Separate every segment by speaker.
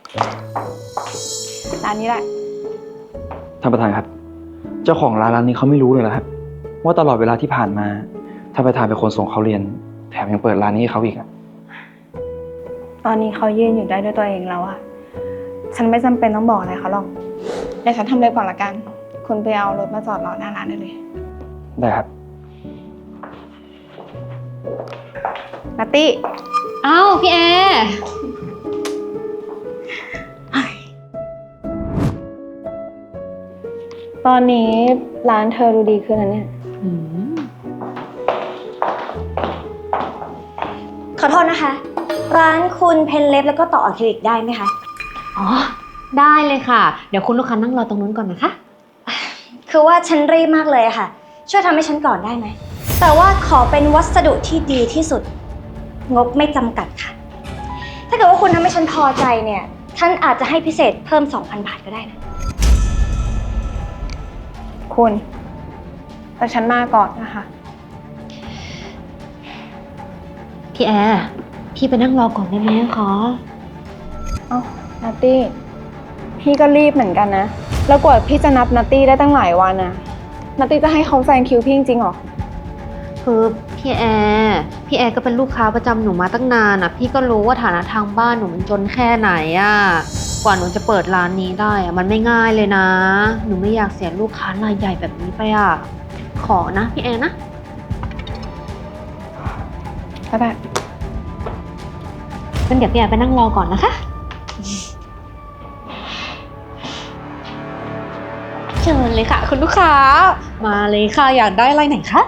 Speaker 1: ร้านนี้แหละ
Speaker 2: ท่านประธานครับ เจ้าของร้านนี้เขาไม่รู้เลยนะครับว่าตลอดเวลาที่ผ่านมาท่านประธานเป็นคนส่งเขาเรียน แถมยังเปิดร้านนี้ให้เขาอีกอะ
Speaker 1: ตอนนี้เขายืนอยู่ได้ด้วยตัวเองแล้วอะฉันไม่จำเป็นต้องบอกอะไรเขาหรอกเดี๋ยวฉันทำเลยก่อนละกัน คุณไปเอารถมาจอดรอหน้าร้านได้เลย
Speaker 2: ได้ครับ
Speaker 1: นัตตี้
Speaker 3: อ้าวพี่แอร์
Speaker 1: ตอนนี้ร้านเธอดูดีขึ้นนะเนี่ย
Speaker 4: ขอโทษนะคะ ร้านคุณเพนเล็บแล้วก็ต่ออะคริลิกได้ไหมคะ
Speaker 3: อ๋อได้เลยค่ะเดี๋ยวคุณลูกค้านั่งรอตรงนู้นก่อนนะคะ
Speaker 4: คือว่าฉันรีบมากเลยอะค่ะ ช่วยทำให้ฉันก่อนได้ไหมแต่ว่าขอเป็นวัสดุที่ดีที่สุดงบไม่จำกัดค่ะถ้าเกิดว่าคุณทำให้ฉันพอใจเนี่ยฉันอาจจะให้พิเศษเพิ่ม 2,000 บาทก็ได้นะ
Speaker 1: คุณแต่ฉันมาก่อนนะคะ
Speaker 3: พี่แอร์พี่ไปนั่งรอก่อนได้ไหมคะ
Speaker 1: เอ้านัตตี้พี่ก็รีบเหมือนกันนะแล้วกว่าพี่จะนับนัตตี้ได้ตั้งหลายวันนะนัตตี้จะให้เขาแซงคิวพี่จริงๆหรอ
Speaker 3: คือพี่แอร์ก็เป็นลูกค้าประจำหนูมาตั้งนานอ่ะพี่ก็รู้ว่าฐานะทางบ้านหนูมันจนแค่ไหนอ่ะกว่าหนูจะเปิดร้านนี้ได้อ่ะมันไม่ง่ายเลยนะหนูไม่อยากเสียลูกค้ารายใหญ่แบบนี้ไปอ่ะขอนะพี่แอร์นะ
Speaker 1: ก็ได้
Speaker 3: งั้นเดี๋ยวพี่แอร์ไปนั่งรอก่อนนะคะเชิญเลยค่ะคุณลูกค้ามาเลยค่ะอยากได้อะไรไหนคะ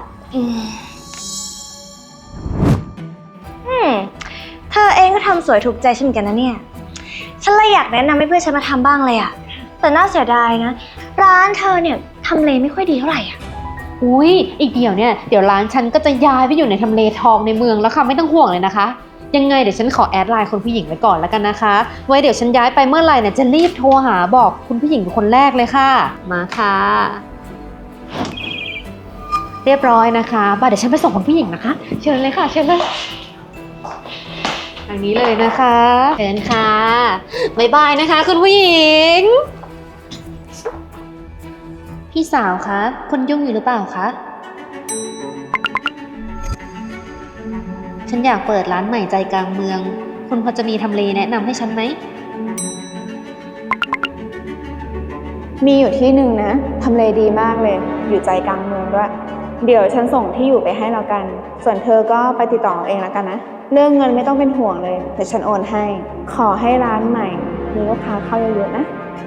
Speaker 4: เธอเองก็ทำสวยถูกใจฉันเหมือนกันนะเนี่ยฉันเลยอยากแนะนำให้เพื่อนฉันมาทำบ้างเลยอะแต่น่าเสียดายนะร้านเธอเนี่ยทำเลไม่ค่อยดีเท่าไหร่อะ
Speaker 3: อุ้ยอีกเดี๋ยวร้านฉันก็จะย้ายไปอยู่ในทำเลทองในเมืองแล้วค่ะไม่ต้องห่วงเลยนะคะยังไงเดี๋ยวฉันขอแอดไลน์คนผู้หญิงไว้ก่อนแล้วกันนะคะไว้เดี๋ยวฉันย้ายไปเมื่อไหร่เนี่ยจะรีบโทรหาบอกคุณผู้หญิงเป็นคนแรกเลยค่ะมาค่ะเรียบร้อยนะคะบ่าเดี๋ยวฉันไปส่งคุณผู้หญิงนะคะเชิญเลยค่ะเชิญเลยทางนี้เลยนะคะเชิญค่ะบ๊ายบายนะคะคุณผู้หญิงพี่สาวคะคุณยุ่งอยู่หรือเปล่าคะฉันอยากเปิดร้านใหม่ใจกลางเมืองคุณพอจะมีทำเลแนะนำให้ฉันไหม
Speaker 1: มีอยู่ที่หนึ่งนะทำเลดีมากเลยอยู่ใจกลางเมืองด้วยเดี๋ยวฉันส่งที่อยู่ไปให้แล้วกันส่วนเธอก็ไปติดต่อเองแล้วกันนะเรื่องเงินไม่ต้องเป็นห่วงเลยเดี๋ยวฉันโอนให้ขอให้ร้านใหม่มีลูกค้าเข้าเยอะๆนะ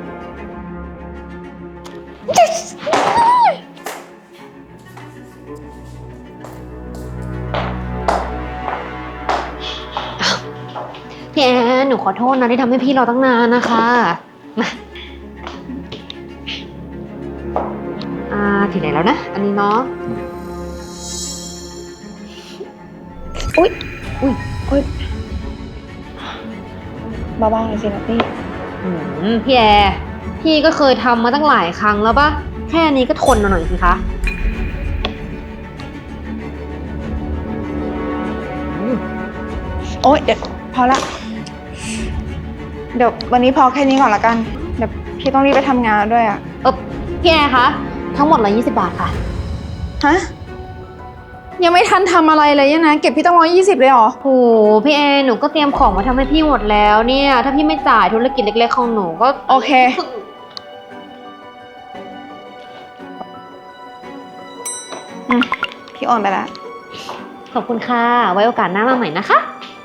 Speaker 3: พี่แอนหนูขอโทษนะที่ทำให้พี่รอตั้งนานนะคะมาถึงไหนแล้วนะอันนี้เนาะ
Speaker 1: อุ๊ยเบาๆหน่อยสินัตตี้
Speaker 3: พี่แอร์พี่ก็เคยทำมาตั้งหลายครั้งแล้วปะแค่นี้ก็ทนหน่อยสิคะ
Speaker 1: โอ๊ยเดี๋ยวพอละเดี๋ยววันนี้พอแค่นี้ก่อนละกันเดี๋ยวพี่ต้องรีบไปทำงานแล้วด้วยอ่ะ
Speaker 3: พี่แอร์คะทั้งหมด120 บาทค่ะ
Speaker 1: ฮะยังไม่ทันทำอะไรเลยนะเก็บพี่ต้อง120เลยเหรอ
Speaker 3: โหพี่แอร์หนูก็เตรียมของมาทำให้พี่หมดแล้วเนี่ยถ้าพี่ไม่จ่ายธุรกิจเล็กๆของหนูก็
Speaker 1: โอเคพี่โอนไปแล้ว
Speaker 3: ขอบคุณค่ะไว้โอกาสหน้ามาใหม่นะคะ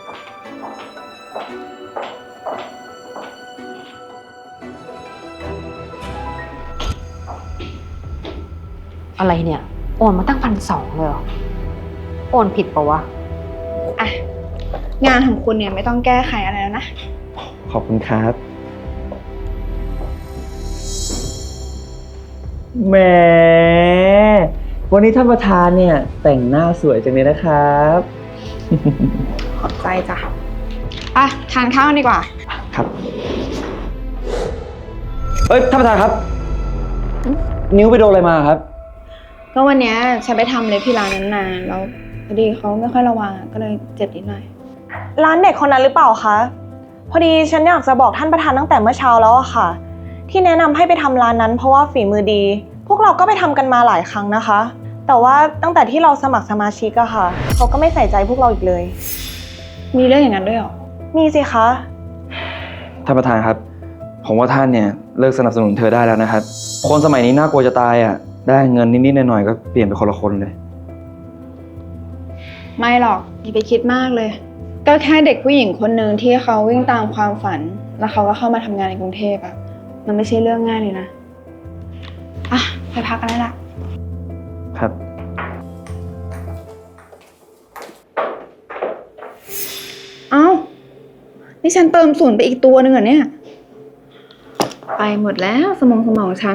Speaker 3: อะไรเนี่ยโอนมาตั้ง1,200เลยเหรอโอนผิดปะวะ
Speaker 1: อ่ะงานของคุณเนี่ยไม่ต้องแก้ไขอะไรแล้วนะ
Speaker 2: ขอบคุณครับแหมวันนี้ท่านประธานเนี่ยแต่งหน้าสวยจังเลยนะครับ
Speaker 1: ขอบใจจ้ะทานข้าวดีกว่า
Speaker 2: ครับท่านประธานครับนิ้วไปโดนอะไรมาครับ
Speaker 1: ก็วันนี้ฉันไปทำเล็บที่ร้านนั้นนานแล้วพอดีเขาไม่ค่อยระวังก็เลยเจ็บนิดหน่อยร้านเด็กคนนั้นหรือเปล่าคะ
Speaker 5: พอดีฉันอยากจะบอกท่านประธานตั้งแต่เมื่อเช้าแล้วอะค่ะ ที่แนะนำให้ไปทำร้านนั้นเพราะว่าฝีมือดี พวกเราก็ไปทำกันมาหลายครั้งนะคะ แต่ว่าตั้งแต่ที่เราสมัครสมาชิกอะค่ะเขาก็ไม่ใส่ใจพวกเราอีกเลย
Speaker 1: มีเรื่องอย่างนั้นด้วยเหรอ
Speaker 5: มีสิคะ
Speaker 2: ท่านประธานครับ ผมว่าท่านเนี่ยเลิกสนับสนุนเธอได้แล้วนะครับ คนสมัยนี้น่ากลัวจะตายอ่ะ ได้เงินนิดๆหน่อยๆก็เปลี่ยนไปคนละคนเลย
Speaker 1: ไม่หรอกอย่าไปคิดมากเลย ก็แค่เด็กผู้หญิงคนหนึ่งที่เขาวิ่งตามความฝัน แล้วเขาก็เข้ามาทำงานในกรุงเทพอะมันไม่ใช่เรื่องง่ายเลยนะ อ่ะไปพักกันได้ละ
Speaker 2: ครับ
Speaker 1: เอ้า นี่ฉันเติมศูนย์ไปอีกตัวหนึ่งเหรอเนี่ย ไปหมดแล้วสมองฉัน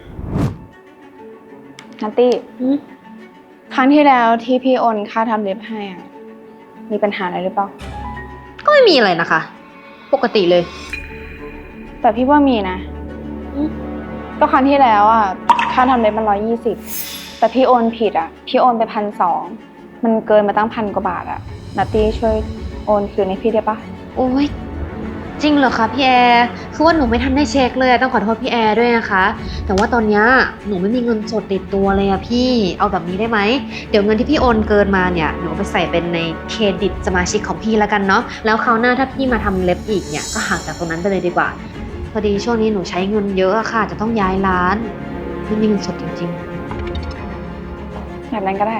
Speaker 1: นัตตี้ ครั้งที่แล้วที่พี่โอนค่าทำเล็บให้อ่ะ มีปัญหาอะไรหรือเปล่า
Speaker 3: ก็ไม่มีอะไรนะคะ ปกติเลย
Speaker 1: แต่พี่ว่ามีนะ ก็ครั้งที่แล้วอ่ะ ค่าทำเล็บมัน120แต่พี่โอนผิดอ่ะ พี่โอนไป1,200มันเกินมาตั้ง1,000 กว่าบาทอ่ะ นัตตี้ช่วยโอนคืนให้พี่ได้ปะ
Speaker 3: โอ้ยจริงเหรอคะพี่แอร์คือว่าหนูไม่ทันได้เช็คเลยต้องขอโทษพี่แอร์ด้วยนะคะ แต่ว่าตอนเนี้ยหนูไม่มีเงินสดติดตัวเลยอะพี่เอาแบบนี้ได้ไหมเดี๋ยวเงินที่พี่โอนเกินมาเนี่ยหนูเอาไปใส่เป็นในเครดิตสมาชิกของพี่แล้วกันเนาะแล้วคราวหน้าถ้าพี่มาทำเล็บอีกเนี่ยก็หักจากตรงนั้นไปเลยดีกว่าพอดีช่วงนี้หนูใช้เงินเยอะอะค่ะจะต้องย้ายร้านไม่มีเงินสดจริงๆ
Speaker 1: แบบนั้นก็ได้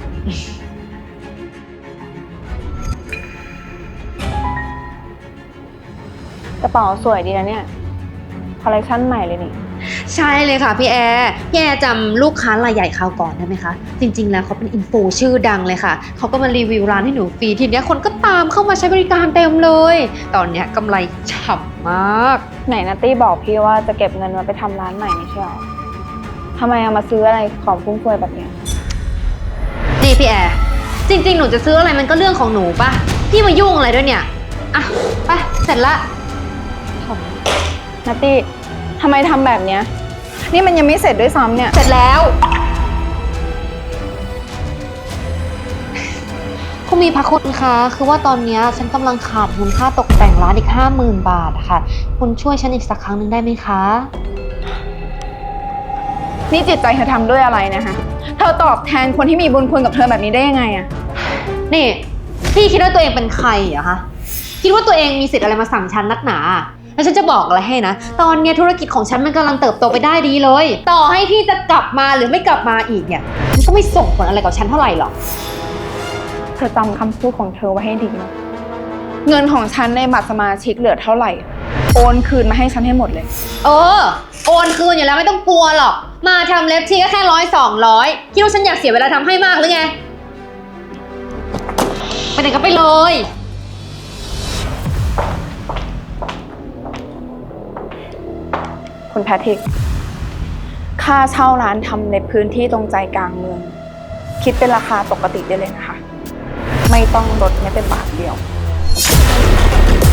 Speaker 1: กระเป๋าสวยดีนะเนี่ย คอลเลคชันใหม่เลยนี่
Speaker 3: ใช่เลยค่ะพี่แอร์จำลูกค้ารายใหญ่คราวก่อนได้ไหมคะ จริงๆแล้วเขาเป็นอินฟูชื่อดังเลยค่ะ เขาก็มารีวิวร้านให้หนูฟรีทีเนี้ยคนก็ตามเข้ามาใช้บริการเต็มเลย ตอนเนี้ยกำไรฉ่ำมาก
Speaker 1: ไหนนัตตี้บอกพี่ว่าจะเก็บเงินมาไปทำร้านใหม่ไม่ใช่หรอทำไมเอามาซื้ออะไรของฟุ่มเฟือยแบบเนี้ย
Speaker 3: นี่พี่แอร์จริงๆหนูจะซื้ออะไรมันก็เรื่องของหนูปะพี่มายุ่งอะไรด้วยเนี่ยอ่ะไปเสร็จละ
Speaker 1: นัตตี้ทำไมทำแบบเนี้ย นี่มันยังไม่เสร็จด้วยซ้ำเนี่ย
Speaker 3: เสร็จแล้วคุณมีพระคุณคะคือว่าตอนเนี้ยฉันกำลังขาดเงินค่าตกแต่งร้านอีก 50,000 บาทอะค่ะคุณช่วยฉันอีกสักครั้งหนึ่งได้ไหมคะ
Speaker 1: นี่จิตใจเธอทำด้วยอะไรนะคะ เธอตอบแทนคนที่มีบุญคุณกับเธอแบบนี้ได้ยังไงอะ
Speaker 3: นี่พี่คิดว่าตัวเองเป็นใครเหรอคะคิดว่าตัวเองมีสิทธิ์อะไรมาสั่งฉันนักหนาแล้วฉันจะบอกอะไรให้นะตอนเนี้ยธุรกิจของฉันมันกำลังเติบโตไปได้ดีเลย ต่อให้พี่จะกลับมาหรือไม่กลับมาอีกเนี่ยมันก็ไม่ส่งผลอะไรกับฉันเท่าไหร่หรอก
Speaker 1: เธอจำคำพูดของเธอไว้ให้ดีนะ เงินของฉันในบัตรสมาชิกเหลือเท่าไหร่ โอนคืนมาให้ฉันให้หมดเลย
Speaker 3: โอนคืนอยู่แล้วไม่ต้องกลัวหรอกมาทำเล็บทีก็แค่100-200คิดว่าฉันอยากเสียเวลาทำให้มากหรือไงไปไหนก็ไปเลย
Speaker 1: คุณแพทริก ค่าเช่าร้านทำในพื้นที่ตรงใจกลางเมือง คิดเป็นราคาปกติได้เลยนะคะ ไม่ต้องลดแม้แต่บาทเดียว